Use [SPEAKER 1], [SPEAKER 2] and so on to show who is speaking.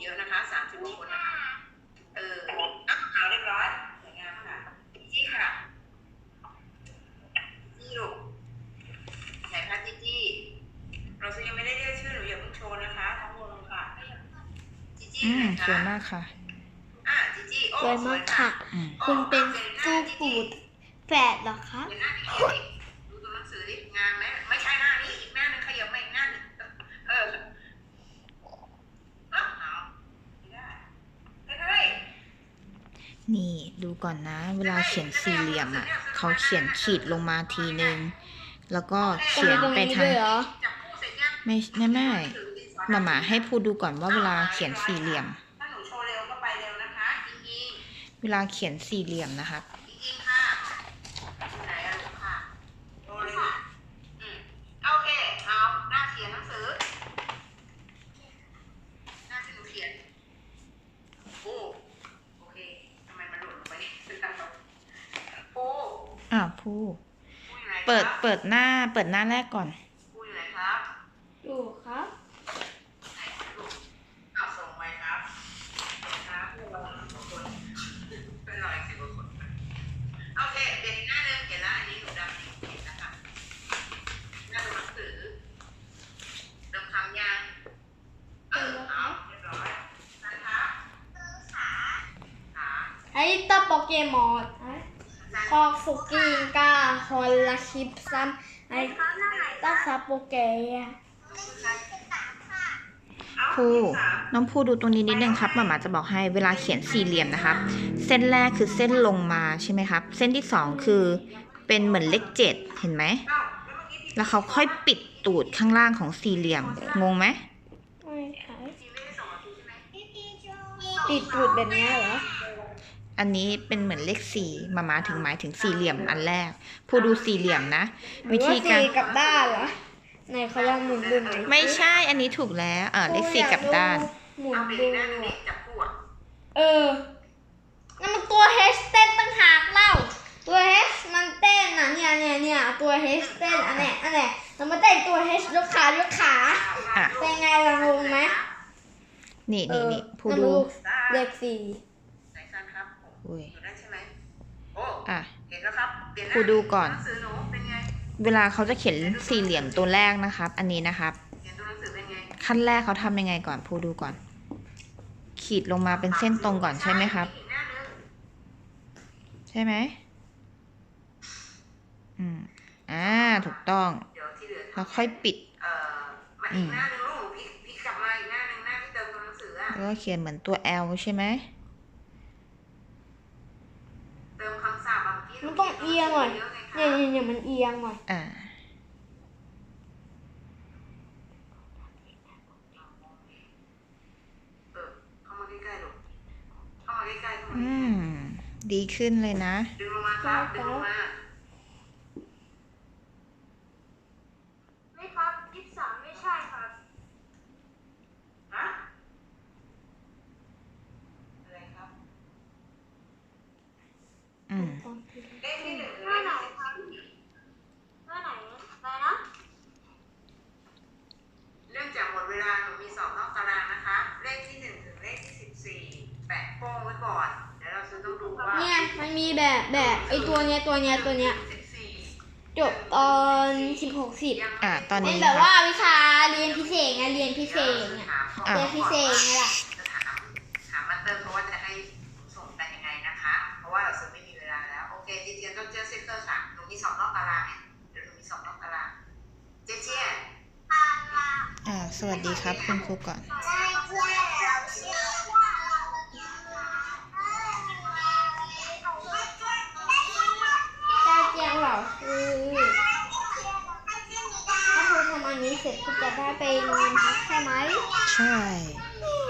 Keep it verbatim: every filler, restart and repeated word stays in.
[SPEAKER 1] เยอะนะคะสามสิบกว่าคนนะคะเอออ่ะเอาเรียบร้อยสวยงามค่ะจี้ค่ะจี้ลูกไหนคะจี้จี้เรายังไม่ได้เรียกชื่อหนูอย่าเพิ่งโชว์นะคะทั้งวงค่ะจี้จี้ไหนคะ
[SPEAKER 2] สวยมากค่ะ
[SPEAKER 1] อ่ะจี้จี้โอ้
[SPEAKER 3] สวยมากค่ะคุณเป็นฟูปูดแฝดเหรอคะ
[SPEAKER 1] เห็นหน้าพี่เขียวดิดูตัวหนังสือดิงามไหมไม่ใช่หน้านี้อีกหน้านึงขยับมาอีกหน้านึงเออเอาไม่ได้เฮ้ย
[SPEAKER 2] นี่ดูก่อนนะ เวลาเขียนสี่เหลี่ยมอ่ะเขาเขียนขีดลงมาทีนึงแล้วก็เขียนไปทางไม่ไม่ไม่มาหมาให้พูดดูก่อนว่าเวลาเขียนสี่เหลี่ยม
[SPEAKER 1] ถ้าหนูโชว์เร็วก็ไปเร็วนะคะอิงอิง
[SPEAKER 2] เวลาเขียนสี่เหลี่ยมนะคะ
[SPEAKER 1] อิงอิงค่ะไหนอะลูกค่ะโชว์เลยอืมโอเคเอาหน้าเขียนหนังสือหน้าที่หนูเขียนโอ้โอเคทำไมมันหล่นลงไปโอ้
[SPEAKER 2] อ้าวพูเปิดเปิดหน้าเปิดหน้าแรกก่อน
[SPEAKER 1] พูอยู่ไหนครับ
[SPEAKER 3] ดูครับ
[SPEAKER 1] เอาส่งไปครับครับผู้ระวังสองคนเป็นร้อยสิบกว่าคนโอเคเดี๋ยวหน้าเดิมเขียนแล้วอันนี้หนูดำเขียนนะคะหน้าดูหนังสือเดิมคำยังเออเอาเรียบร้อยนะคะขาขา
[SPEAKER 3] ไอ้ตาโปเกมอนคอฟุกิงกาฮอลลาคิปซัมไอ้ตาซาโปเกะ
[SPEAKER 2] พูน้องพูดูตรงนี้นิดนึงครับมาหมาจะบอกให้เวลาเขียนสี่เหลี่ยมนะครับเส้นแรกคือเส้นลงมาใช่ไหมครับเส้นที่สองคือเป็นเหมือนเลขเจ็ดเห็นไหมแล้วเขาค่อยปิดตูดข้างล่างของสี่เหลี่ยมงงไหม
[SPEAKER 3] ไม่ค่ะปิดตูดแบบนี้เหรอ
[SPEAKER 2] อันนี้เป็นเหมือนเลขสี่มามาถึงหมายถึงสี่เหลี่ยมอันแรกผู้ดูสี่เหลี่ยมนะวิธีการ
[SPEAKER 3] กับด้านเหรอไหนเขาลองหมุนดูหน่อย
[SPEAKER 2] ไม่ใช่อันนี้ถูกแล้วเออเลขสี่กับด้าน
[SPEAKER 3] หมุนดู
[SPEAKER 1] จับคู่
[SPEAKER 3] เออนั่นมันตัว H เต้นตั้งหากเล่าตัว H มันเต้นนะเนี่ยเนี่ยเนี่ยตัว H เต้นอันเนี้ยอันเนี้ยเรามาเต้นตัว H ยกขายกขาเป็นไงล่ะงงไหม
[SPEAKER 2] นี่นี่นี่ผู้ดู
[SPEAKER 3] เลขสี่
[SPEAKER 1] ไหนกันครับ
[SPEAKER 2] อุ้ย
[SPEAKER 1] ได้ใช่ไหมโอ้
[SPEAKER 2] อ่ะ
[SPEAKER 1] เห็นแล้วครับ
[SPEAKER 2] ผู้ดูก่อน
[SPEAKER 1] หนังสือหนูเป็นไง
[SPEAKER 2] เวลาเขาจะเขียนสี่เหลี่ยมตัวแรกนะครับอันนี้นะครับขั้นแรกเขาทำยังไงก่อนผู้ดูก่อนขีดลงมาเป็นเส้นตรงก่อนใช่ไหมครับใช่ไหมอืมอ่าถูกต้องแล้วค่อยปิดอืมแล้วก็เขียนเหมือนตัว L ใช่ไหม
[SPEAKER 3] มันต้องเอียงหน่อยเนี่ยเนี่ยมันเอียงหน่อย
[SPEAKER 2] อ่าอืมดีขึ้นเลยนะ
[SPEAKER 1] ดึงลงมาครับดึงลงมา
[SPEAKER 3] ไม่ครับยี่สิบสามไม่ใช่ครับ
[SPEAKER 1] ฮะอะไรครับ
[SPEAKER 2] อืม
[SPEAKER 1] เลขที่หนึ่ง
[SPEAKER 3] หน้าไหนครับหน้าไหนอะไรนะ
[SPEAKER 1] เรื่องจากหมดเวลาหนูมีสอบนอกตารางนะคะเลขที่หนึ่งถึงเลขที่สิบสี่แปะโป้งไว้ก่อนเดี๋ยวเราจะต้องดูว่า
[SPEAKER 3] เนี่ยมันมีแบบแบบไอตัวเนี้ยตัวเนี้ยตัวเนี้ยจบตอนสิบหกสิบ
[SPEAKER 2] อ่าตอนนี้
[SPEAKER 3] แบบว่าวิชาเรียนพิเศษไงเรียนพิเศษเนี่ยเรียนพิเศษไงล่ะ
[SPEAKER 1] ถามมาเติมเพราะว่าจะให้ส่งกันยังไงนะคะเพราะว่าเราซื้อไม่มีเวลาแล้วโอเคเจเจียนต้องเจอเซนเตอร์ค่ะหนูมีสอบนอกตารางเนี่ยเดี๋ยวหนูมีสอบนอกตารางเจเจียน
[SPEAKER 2] อ่าสวัสดีครับคุณครูก่อน
[SPEAKER 3] เจียงเหรอคือถ้าเธอทำอันนี้เสร็จคุณจะได้ไปนอนพักใช่ไหม
[SPEAKER 2] ใช่